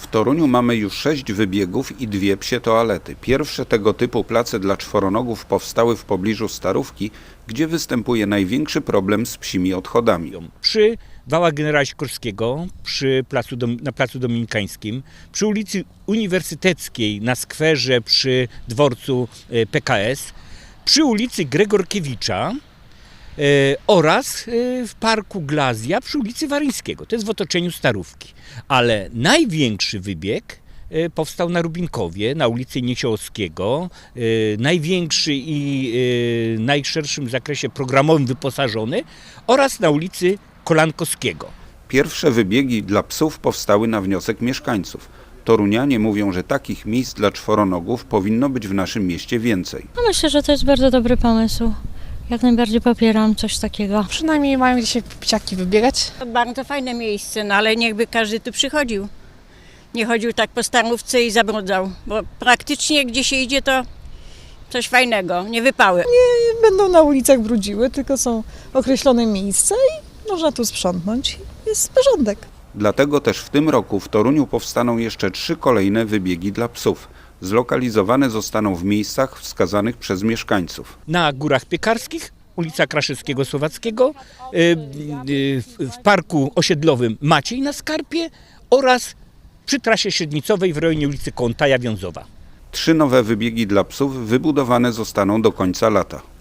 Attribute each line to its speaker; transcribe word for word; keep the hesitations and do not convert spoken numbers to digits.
Speaker 1: W Toruniu mamy już sześć wybiegów i dwie psie toalety. Pierwsze tego typu place dla czworonogów powstały w pobliżu Starówki, gdzie występuje największy problem z psimi odchodami.
Speaker 2: Przy Wała Generała Sikorskiego, przy placu, na Placu Dominikańskim, przy ulicy Uniwersyteckiej, na skwerze przy dworcu P K S, przy ulicy Gregorkiewicza e, oraz e, w parku Glazja przy ulicy Waryńskiego. To jest w otoczeniu Starówki. Ale największy wybieg e, powstał na Rubinkowie, na ulicy Niesiołowskiego. E, największy i e, najszerszym zakresie programowym wyposażony oraz na ulicy Kolankowskiego.
Speaker 1: Pierwsze wybiegi dla psów powstały na wniosek mieszkańców. Torunianie mówią, że takich miejsc dla czworonogów powinno być w naszym mieście więcej.
Speaker 3: No myślę, że to jest bardzo dobry pomysł. Jak najbardziej popieram coś takiego.
Speaker 4: Przynajmniej mają gdzie się psiaki wybiegać.
Speaker 5: To bardzo fajne miejsce, no ale niechby każdy tu przychodził. Nie chodził tak po Starówce i zabrudzał, bo praktycznie gdzie się idzie to coś fajnego, nie wypały.
Speaker 4: Nie będą na ulicach brudziły, tylko są określone miejsca i można tu sprzątnąć. Jest porządek.
Speaker 1: Dlatego też w tym roku w Toruniu powstaną jeszcze trzy kolejne wybiegi dla psów. Zlokalizowane zostaną w miejscach wskazanych przez mieszkańców.
Speaker 2: Na Górach Piekarskich, ulica Kraszewskiego-Słowackiego, w parku osiedlowym Maciej na Skarpie oraz przy trasie średnicowej w rejonie ulicy Kołątaja Wiązowa.
Speaker 1: Trzy nowe wybiegi dla psów wybudowane zostaną do końca lata.